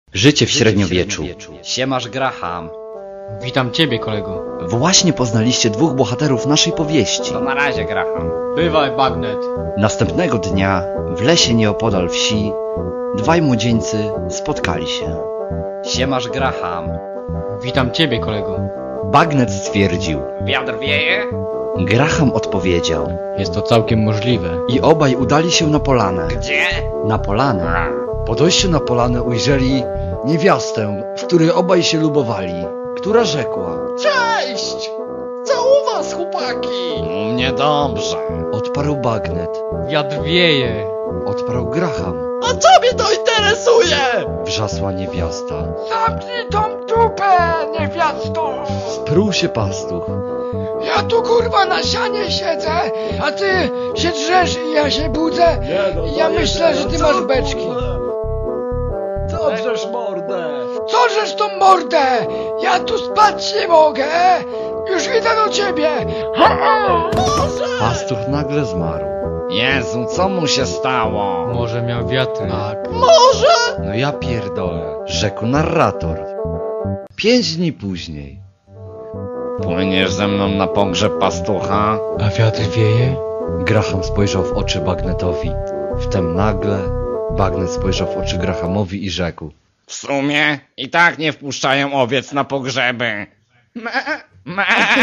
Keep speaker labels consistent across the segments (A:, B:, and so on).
A: Życie w średniowieczu.
B: Siemasz, Graham.
C: Witam ciebie, kolego.
A: Właśnie poznaliście dwóch bohaterów naszej powieści.
B: To na razie, Graham.
C: Bywaj, Bagnet.
A: Następnego dnia w lesie nieopodal wsi dwaj młodzieńcy spotkali się.
B: Siemasz, Graham.
C: Witam ciebie, kolego.
A: Bagnet stwierdził.
B: Wiatr wieje?
A: Graham odpowiedział.
C: Jest to całkiem możliwe.
A: I obaj udali się na polanę.
B: Gdzie?
A: Na polanę. Po dojściu na polanę ujrzeli niewiastę, w której obaj się lubowali, która rzekła.
D: Cześć! Co u was, chłopaki?
B: U mnie dobrze.
A: Odparł Bagnet.
C: Wiatr wieje.
A: Odparł Graham.
D: A co mnie to interesuje?
A: Wrzasła niewiasta.
D: Zamknij tą dupę, niewiasto!
A: Spruł się pastuch.
D: Ja tu kurwa na sianie siedzę, a ty się drzesz i ja się budzę. Ja myślę, że ty masz beczki.
E: Co drzesz mordę?
D: Co żeś tą mordę? Ja tu spać nie mogę. Już idę do ciebie.
A: Pastuch nagle zmarł.
B: Jezu, co mu się stało?
C: Może miał wiatry.
A: Tak.
D: Może?
A: No ja pierdolę, rzekł narrator. 5 dni później.
B: Płyniesz ze mną na pogrzeb pastucha?
C: A wiatr wieje?
A: Graham spojrzał w oczy Bagnetowi. Wtem nagle Bagnet spojrzał w oczy Grahamowi i rzekł.
B: W sumie i tak nie wpuszczają owiec na pogrzeby. Me, me,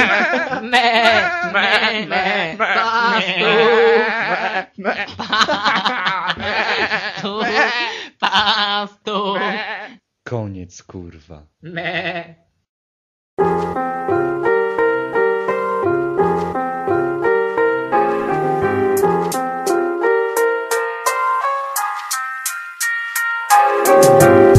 B: me, me,
C: Pastuch.
A: Koniec, kurwa.
D: Me.